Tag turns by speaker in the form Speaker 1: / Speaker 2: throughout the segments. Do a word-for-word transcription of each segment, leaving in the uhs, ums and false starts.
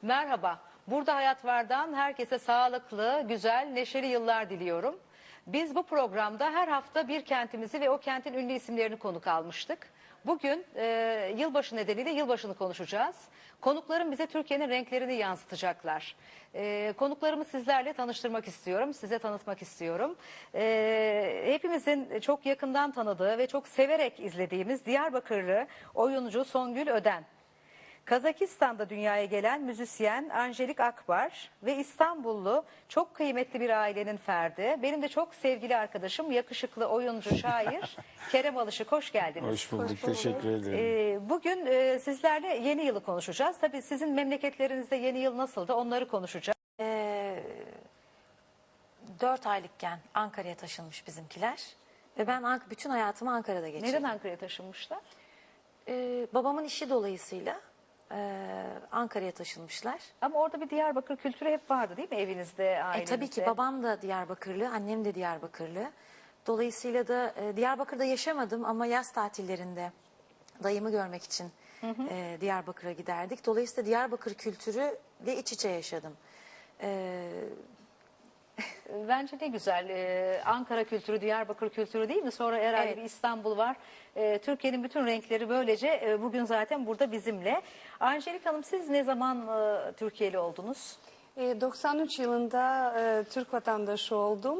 Speaker 1: Merhaba. Burada Hayat Var'dan herkese sağlıklı, güzel, neşeli yıllar diliyorum. Biz bu programda her hafta bir kentimizi ve o kentin ünlü isimlerini konuk almıştık. Bugün e, yılbaşı nedeniyle yılbaşını konuşacağız. Konuklarım bize Türkiye'nin renklerini yansıtacaklar. E, konuklarımı sizlerle tanıştırmak istiyorum, size tanıtmak istiyorum. E, hepimizin çok yakından tanıdığı ve çok severek izlediğimiz Diyarbakırlı oyuncu Songül Öden. Kazakistan'da dünyaya gelen müzisyen Angelik Akbar ve İstanbullu çok kıymetli bir ailenin ferdi. Benim de çok sevgili arkadaşım, yakışıklı oyuncu, şair Kerem Alışık. Hoş geldiniz.
Speaker 2: Hoş bulduk, Hoş bulduk. Teşekkür ederim.
Speaker 1: Ee, bugün e, sizlerle yeni yılı konuşacağız. Tabii sizin memleketlerinizde yeni yıl nasıldı onları konuşacağız.
Speaker 3: Ee, dört aylıkken Ankara'ya taşınmış bizimkiler. Ve ben Ank bütün hayatımı Ankara'da geçirdim.
Speaker 1: Neden Ankara'ya taşınmışlar?
Speaker 3: Ee, babamın işi dolayısıyla e, Ankara'ya taşınmışlar.
Speaker 1: Ama orada bir Diyarbakır kültürü hep vardı değil mi evinizde, ailenizde?
Speaker 3: E, tabii ki babam da Diyarbakırlı, annem de Diyarbakırlı. Dolayısıyla da e, Diyarbakır'da yaşamadım ama yaz tatillerinde dayımı görmek için hı hı. E, Diyarbakır'a giderdik. Dolayısıyla Diyarbakır kültürüyle iç içe yaşadım. E,
Speaker 1: Bence ne güzel. Ee, Ankara kültürü, Diyarbakır kültürü değil mi? Sonra herhalde
Speaker 3: Evet.
Speaker 1: bir İstanbul var. Ee, Türkiye'nin bütün renkleri böylece e, bugün zaten burada bizimle. Angelik Hanım, siz ne zaman e, Türkiye'li oldunuz?
Speaker 4: doksan üç yılında e, Türk vatandaşı oldum.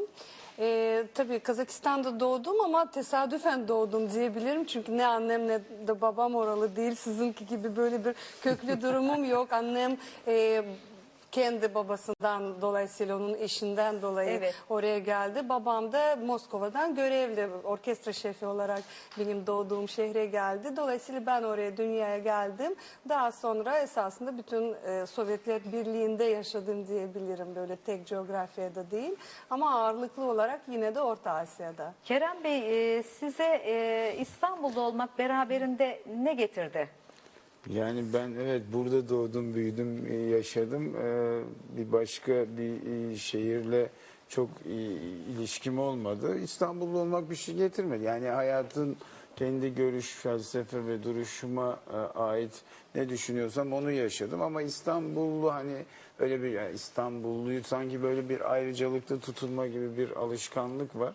Speaker 4: E, tabii Kazakistan'da doğdum ama tesadüfen doğdum diyebilirim. Çünkü ne annem ne de babam oralı değil. Sizinki gibi böyle bir köklü durumum yok. Annem e, kendi babasından, dolayısıyla onun eşinden dolayı evet. oraya geldi. Babam da Moskova'dan görevli, orkestra şefi olarak benim doğduğum şehre geldi. Dolayısıyla ben oraya dünyaya geldim. Daha sonra esasında bütün e, Sovyetler Birliği'nde yaşadım diyebilirim. Böyle tek coğrafyada değil. Ama ağırlıklı olarak yine de Orta Asya'da.
Speaker 1: Kerem Bey, e, size e, İstanbul'da olmak beraberinde ne getirdi?
Speaker 2: Yani ben evet burada doğdum, büyüdüm, yaşadım. Ee, bir başka bir şehirle çok ilişkim olmadı. İstanbullu olmak bir şey getirmedi. Yani hayatın kendi görüş, felsefe ve duruşuma ait ne düşünüyorsam onu yaşadım. Ama İstanbullu hani öyle bir yani İstanbulluyu sanki böyle bir ayrıcalıklı tutulma gibi bir alışkanlık var.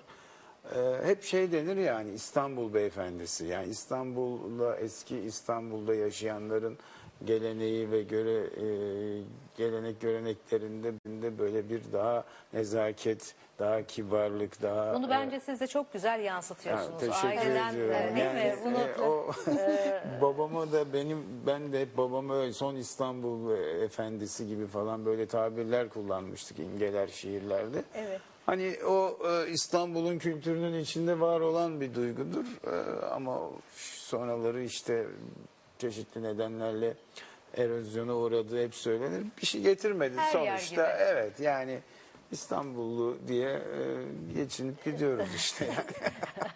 Speaker 2: Ee, hep şey denir yani İstanbul beyefendisi, yani İstanbul'da, eski İstanbul'da yaşayanların geleneği ve göre e, gelenek göreneklerinde de böyle bir daha nezaket, daha kibarlık, daha...
Speaker 1: Bunu bence e, siz de çok güzel yansıtıyorsunuz.
Speaker 2: Ya, teşekkür
Speaker 1: Aileden,
Speaker 2: ediyorum.
Speaker 1: e, değil
Speaker 2: yani,
Speaker 1: mi? Bunu,
Speaker 2: e, o, babama da benim, ben de hep babama öyle son İstanbul efendisi gibi falan böyle tabirler kullanmıştık imgeler şiirlerde.
Speaker 1: Evet.
Speaker 2: Hani o e, İstanbul'un kültürünün içinde var olan bir duygudur e, ama sonraları işte çeşitli nedenlerle erozyona uğradığı hep söylenir. Bir şey getirmedi
Speaker 1: her
Speaker 2: sonuçta. Evet yani İstanbullu diye e, geçinip gidiyoruz işte yani.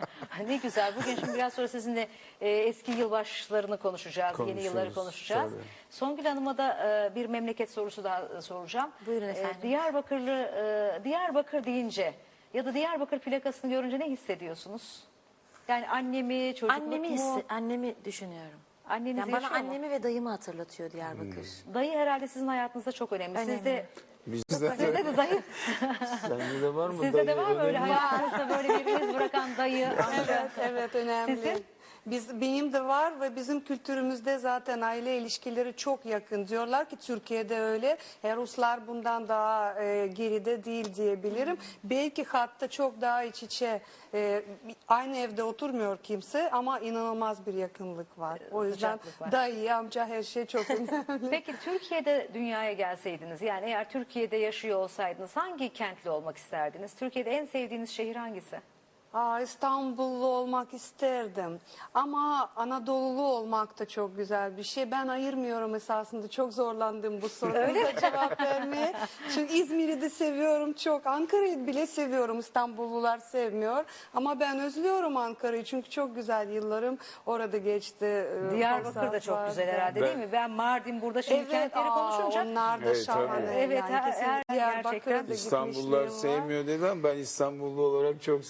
Speaker 1: Ne güzel. Bugün şimdi biraz sonra sizinle e, eski yılbaşlarını konuşacağız, yeni yılları konuşacağız. Tabii. Songül Hanım'a da e, bir memleket sorusu daha soracağım.
Speaker 3: Buyurun efendim.
Speaker 1: E, Diyarbakırlı, e, Diyarbakır deyince ya da Diyarbakır plakasını görünce ne hissediyorsunuz? Yani annemi, çocukluk
Speaker 3: annemi
Speaker 1: mu?
Speaker 3: Hissi, annemi düşünüyorum.
Speaker 1: Anneniz
Speaker 3: yani bana
Speaker 1: yaşıyor
Speaker 3: annemi
Speaker 1: mu?
Speaker 3: ve dayımı hatırlatıyor Diyarbakır.
Speaker 1: Hmm. Dayı herhalde sizin hayatınızda çok önemli.
Speaker 3: önemli.
Speaker 1: Sizde
Speaker 2: Bizde
Speaker 1: Sizde de dayı.
Speaker 2: Sende de var mı?
Speaker 1: Sizde
Speaker 2: dayı
Speaker 1: de var mı öyle
Speaker 2: önemli?
Speaker 1: hayatınızda böyle bir iz bırakan dayı, amca?
Speaker 4: Evet, evet önemli.
Speaker 1: Sizin?
Speaker 4: Biz, benim de var ve bizim kültürümüzde zaten aile ilişkileri çok yakın. Diyorlar ki Türkiye'de öyle. E, Ruslar bundan daha e, geride değil diyebilirim. Belki hatta çok daha iç içe. E, aynı evde oturmuyor kimse ama inanılmaz bir yakınlık var. O yüzden
Speaker 1: var.
Speaker 4: dayı, amca her şey çok önemli.
Speaker 1: Peki Türkiye'de dünyaya gelseydiniz, yani eğer Türkiye'de yaşıyor olsaydınız hangi kentli olmak isterdiniz? Türkiye'de en sevdiğiniz şehir hangisi?
Speaker 4: Aa, İstanbullu olmak isterdim ama Anadolulu olmak da çok güzel bir şey. Ben ayırmıyorum esasında, çok zorlandım bu soruya cevap vermeye. Çünkü İzmir'i de seviyorum çok, Ankara'yı bile seviyorum, İstanbullular sevmiyor. Ama ben özlüyorum Ankara'yı çünkü çok güzel yıllarım orada geçti.
Speaker 1: Diyarbakır da çok vardı. Güzel herhalde değil mi? Ben Mardin burada şimdi
Speaker 4: evet,
Speaker 1: kentleri
Speaker 4: aa,
Speaker 1: konuşunca.
Speaker 4: onlar da
Speaker 2: evet,
Speaker 4: şahane.
Speaker 1: Evet,
Speaker 4: yani
Speaker 1: her, her,
Speaker 4: Diyarbakır'a da
Speaker 2: İstanbullular sevmiyor dedi ama ben İstanbullu olarak çok sevdiğimi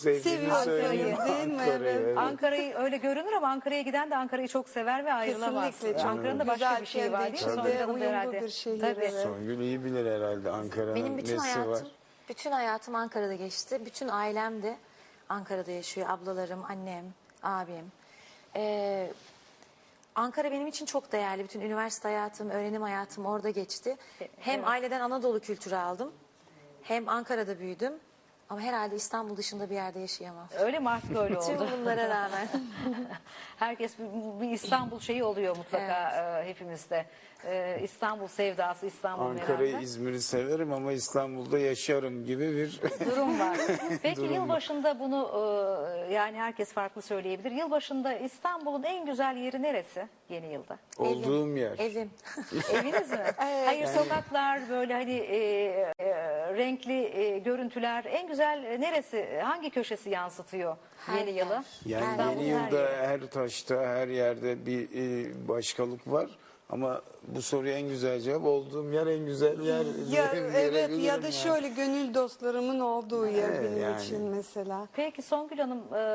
Speaker 4: seviyorsunuz
Speaker 2: söyleyeyim.
Speaker 4: değil mi?
Speaker 2: Ankara'yı,
Speaker 4: Evet.
Speaker 2: evet.
Speaker 1: Ankara'yı öyle görünür ama Ankara'ya giden de Ankara'yı çok sever ve ayrılamaz.
Speaker 4: Kesinlikle çok
Speaker 1: Ankara'nın da başka
Speaker 4: güzel,
Speaker 1: bir şeyi
Speaker 4: kendi
Speaker 1: var değil mi?
Speaker 4: içinde
Speaker 1: Songül Hanım da
Speaker 4: uyumlu
Speaker 1: herhalde.
Speaker 4: bir şehir,
Speaker 1: Tabii.
Speaker 4: evet.
Speaker 2: Songül iyi bilir herhalde Ankara'nın
Speaker 3: Benim bütün
Speaker 2: nesi
Speaker 3: hayatım,
Speaker 2: var.
Speaker 3: bütün hayatım Ankara'da geçti. Bütün ailem de Ankara'da yaşıyor. Ablalarım, annem, abim. Ee, Ankara benim için çok değerli. Bütün üniversite hayatım, öğrenim hayatım orada geçti. Hem
Speaker 1: evet.
Speaker 3: aileden Anadolu kültürü aldım. Hem Ankara'da büyüdüm. Ama herhalde İstanbul dışında bir yerde yaşayamam.
Speaker 1: Öyle mi, artık öyle
Speaker 3: Tüm
Speaker 1: oldu.
Speaker 3: bunlara rağmen.
Speaker 1: Herkes bir, bir İstanbul şeyi oluyor mutlaka e, hepimizde. E, İstanbul sevdası, İstanbul
Speaker 2: Ankara'yı,
Speaker 1: merakı.
Speaker 2: İzmir'i severim ama İstanbul'da yaşarım gibi bir
Speaker 1: Durum var. Peki
Speaker 2: Durum var.
Speaker 1: yılbaşında bunu e, yani herkes farklı söyleyebilir. Yılbaşında İstanbul'un en güzel yeri neresi yeni yılda?
Speaker 2: olduğum yer.
Speaker 3: Evim.
Speaker 1: Eviniz mi? Hayır, sokaklar böyle hani e, e, renkli e, görüntüler. En güzel e, neresi? Hangi köşesi yansıtıyor
Speaker 3: Her
Speaker 1: yeni
Speaker 3: yer.
Speaker 1: yılı?
Speaker 2: Yani
Speaker 1: İstanbul'un
Speaker 2: yeni
Speaker 1: her
Speaker 2: yılda
Speaker 1: yeri.
Speaker 2: her taşta, her yerde bir e, başkalık var. Ama bu soruya en güzel cevap olduğum yer en güzel yer.
Speaker 4: Ya,
Speaker 2: diye
Speaker 4: evet
Speaker 2: verebilirim
Speaker 4: ya da
Speaker 2: yani.
Speaker 4: şöyle gönül dostlarımın olduğu yer
Speaker 2: Evet,
Speaker 4: benim
Speaker 2: yani.
Speaker 4: için mesela.
Speaker 1: Peki Songül Hanım,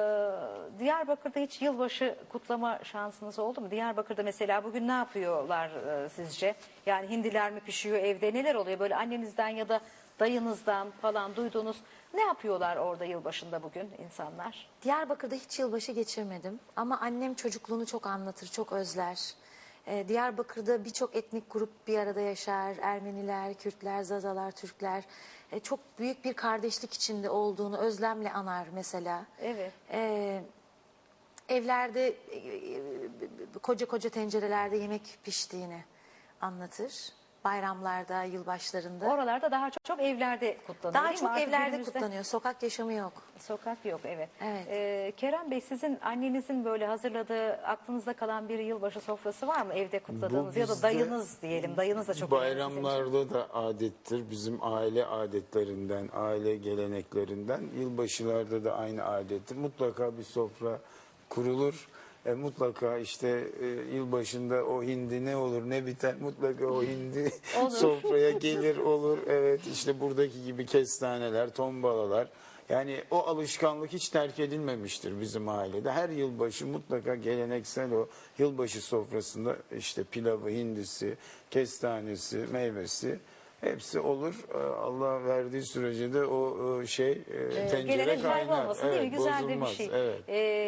Speaker 1: e, Diyarbakır'da hiç yılbaşı kutlama şansınız oldu mu? Diyarbakır'da mesela bugün ne yapıyorlar e, sizce? Yani hindiler mi pişiyor evde? Neler oluyor böyle annenizden ya da dayınızdan falan duyduğunuz, ne yapıyorlar orada yılbaşında bugün insanlar?
Speaker 3: Diyarbakır'da hiç yılbaşı geçirmedim ama annem çocukluğunu çok anlatır, çok özler. Ee, Diyarbakır'da birçok etnik grup bir arada yaşar. Ermeniler, Kürtler, Zazalar, Türkler. Ee, çok büyük bir kardeşlik içinde olduğunu özlemle anar mesela.
Speaker 1: Evet.
Speaker 3: Ee, evlerde e, e, koca koca tencerelerde yemek piştiğini anlatır. Bayramlarda, yılbaşlarında.
Speaker 1: Oralarda daha çok, çok evlerde kutlanıyor
Speaker 3: Daha
Speaker 1: değil mi?
Speaker 3: çok
Speaker 1: Artık
Speaker 3: evlerde
Speaker 1: günümüzde
Speaker 3: kutlanıyor. Sokak yaşamı yok.
Speaker 1: Sokak yok, evet.
Speaker 3: Evet.
Speaker 1: Ee, Kerem Bey, sizin annenizin böyle hazırladığı aklınızda kalan bir yılbaşı sofrası var mı evde kutladığınız,
Speaker 2: Bu
Speaker 1: ya da
Speaker 2: bizde
Speaker 1: dayınız diyelim, dayınız da çok önemli sizin için.
Speaker 2: Bayramlarda da adettir. Bizim aile adetlerinden, aile geleneklerinden. Yılbaşılarda da aynı adettir. Mutlaka bir sofra kurulur. E, mutlaka işte e, yılbaşında o hindi ne olur ne biter, mutlaka o hindi
Speaker 1: Olur.
Speaker 2: sofraya gelir olur. Evet, işte buradaki gibi kestaneler, tombalalar. Yani o alışkanlık hiç terk edilmemiştir bizim ailede. Her yılbaşı mutlaka geleneksel o yılbaşı sofrasında işte pilavı, hindisi, kestanesi, meyvesi hepsi olur. Ee, Allah verdiği sürece de o e, şey e, tencere
Speaker 1: Gelenek
Speaker 2: kaynar.
Speaker 1: kaybolmasın değil mi?
Speaker 2: Evet,
Speaker 1: Güzel de bir
Speaker 2: bozulmaz.
Speaker 1: şey.
Speaker 2: Evet.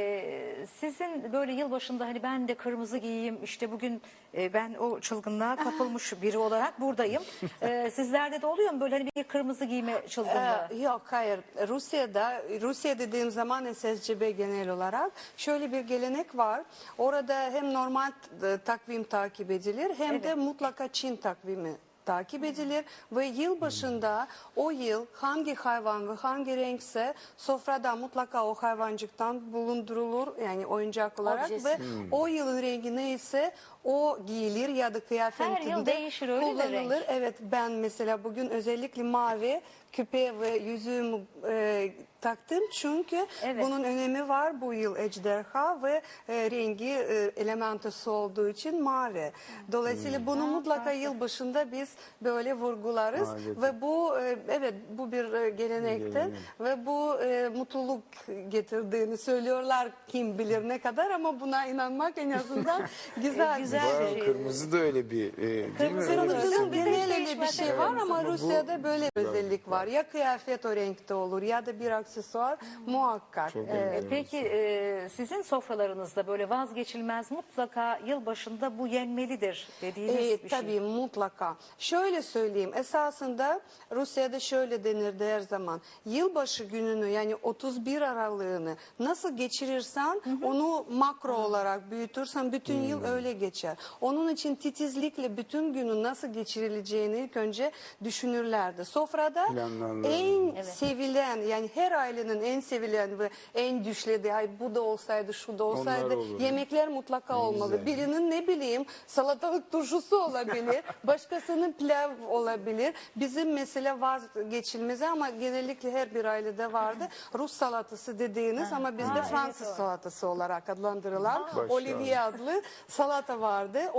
Speaker 1: Ee, sizin böyle yılbaşında hani ben de kırmızı giyeyim, işte bugün e, ben o çılgınlığa kapılmış biri olarak buradayım. Ee, sizlerde de oluyor mu böyle hani bir kırmızı giyme çılgınlığı?
Speaker 4: Ee, yok hayır. Rusya'da, Rusya dediğim zaman S S C B genel olarak şöyle bir gelenek var. Orada hem normal e, takvim takip edilir hem de
Speaker 1: Evet.
Speaker 4: mutlaka Çin takvimi takip edilir ve yıl başında o yıl hangi hayvan ve hangi renkse sofrada mutlaka o hayvancıktan bulundurulur, yani oyuncak olarak
Speaker 3: Objesi.
Speaker 4: ve o yılın rengi neyse o giyilir ya da kıyafetinde
Speaker 1: Her yıl değişir, öyle mi
Speaker 4: kullanılır.
Speaker 1: renk?
Speaker 4: Evet, ben mesela bugün özellikle mavi küpe ve yüzüğümü e, taktım çünkü
Speaker 1: Evet.
Speaker 4: bunun önemi var. Bu yıl ejderha ve e, rengi e, elementası olduğu için mavi. Dolayısıyla bunu mutlaka yıl başında biz böyle vurgularız
Speaker 2: Adet.
Speaker 4: ve bu e, evet bu bir e, gelenektir
Speaker 2: Gelenek.
Speaker 4: ve bu e, mutluluk getirdiğini söylüyorlar, kim bilir ne kadar, ama buna inanmak en azından güzel.
Speaker 1: güzel.
Speaker 2: Var,
Speaker 1: bir şey.
Speaker 2: kırmızı da öyle bir e, değil mi?
Speaker 1: Kırmızı
Speaker 2: Öyle bir
Speaker 1: kırmızı
Speaker 2: simge.
Speaker 1: bizde hiç
Speaker 4: Genel öyle bir
Speaker 1: değişmez,
Speaker 4: şey
Speaker 1: evet.
Speaker 4: var ama
Speaker 2: Ama bu-
Speaker 4: Rusya'da böyle bir özellik var. Ya kıyafet o renkte olur ya da bir aksesuar muhakkak.
Speaker 2: Çok
Speaker 4: Evet.
Speaker 2: önemli.
Speaker 1: Peki e, sizin sofralarınızda böyle vazgeçilmez, mutlaka yılbaşında bu yenmelidir dediğiniz
Speaker 4: Ee,
Speaker 1: bir
Speaker 4: tabii
Speaker 1: şey?
Speaker 4: mutlaka. Şöyle söyleyeyim, esasında Rusya'da şöyle denirdi her zaman. Yılbaşı gününü, yani otuz bir Aralığını nasıl geçirirsen onu makro olarak büyütürsen bütün yıl öyle geçer. Onun için titizlikle bütün günü nasıl geçirileceğini ilk önce düşünürlerdi. Sofrada
Speaker 2: Planlarlar.
Speaker 4: en sevilen, yani her ailenin en sevilen ve en düşlediği, ay bu da olsaydı şu da olsaydı
Speaker 2: olur.
Speaker 4: yemekler mutlaka olmalı.
Speaker 2: güzel.
Speaker 4: Birinin ne bileyim salatalık turşusu olabilir, başkasının pilav olabilir. Bizim mesela vazgeçilmezi ama genellikle her bir ailede vardı. Rus salatası dediğiniz ama bizde Fransız salatası olarak adlandırılan
Speaker 2: Başka.
Speaker 4: Olivier adlı salata vardı. O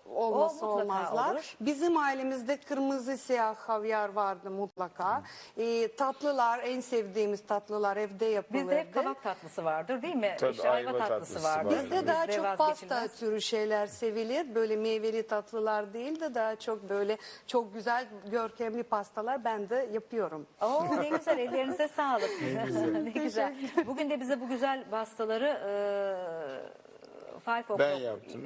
Speaker 4: olması
Speaker 1: O mutlaka
Speaker 4: olmazlar.
Speaker 1: olur.
Speaker 4: Bizim ailemizde kırmızı siyah havyar vardı mutlaka. Ee, tatlılar, en sevdiğimiz tatlılar evde yapılırdı.
Speaker 1: Bizde hep kabak tatlısı vardır değil mi?
Speaker 2: Tabii,
Speaker 1: işte ayva,
Speaker 2: ayva
Speaker 1: tatlısı,
Speaker 2: tatlısı
Speaker 1: vardır.
Speaker 2: vardır.
Speaker 4: Bizde daha
Speaker 1: Bizde
Speaker 4: çok pasta
Speaker 1: vazgeçilmez.
Speaker 4: türü şeyler sevilir. Böyle meyveli tatlılar değil de daha çok böyle çok güzel görkemli pastalar ben de yapıyorum.
Speaker 1: Oo, ne güzel, ellerinize sağlık.
Speaker 2: Ne güzel.
Speaker 1: Ne güzel. Bugün de bize bu güzel pastaları e, Five O'Clock.
Speaker 2: Ben yaptım.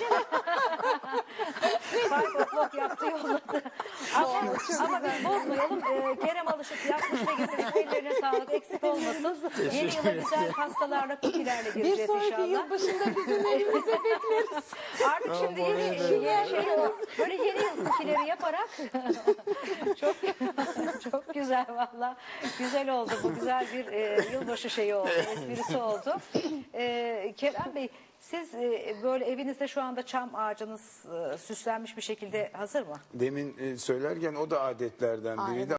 Speaker 1: Five O'Clock yaptı yolladı. Ama, ama biz bozmayalım. Ee, Kerem Alışık yapmış ve getirmiş. Ellerine sağlık, eksik olmasın. Yeni yıla güzel pastalarla, kukilerle
Speaker 4: Bir
Speaker 1: gireceğiz
Speaker 4: sonraki
Speaker 1: inşallah.
Speaker 4: yılbaşında bizim evimize bekleriz.
Speaker 1: Artık şimdi
Speaker 2: Tamam,
Speaker 1: yeni,
Speaker 2: oraya
Speaker 1: yeni şey o. Böyle yeni yıl kukileri yaparak çok çok güzel valla. Güzel oldu bu. Güzel bir e, yılbaşı şeyi oldu. Esprisi oldu. E, Kerem Bey, siz e, böyle evinizde şu anda çam ağacınız e, süslenmiş bir şekilde hazır mı?
Speaker 2: Demin e, söylerken o da adetlerden biriydi.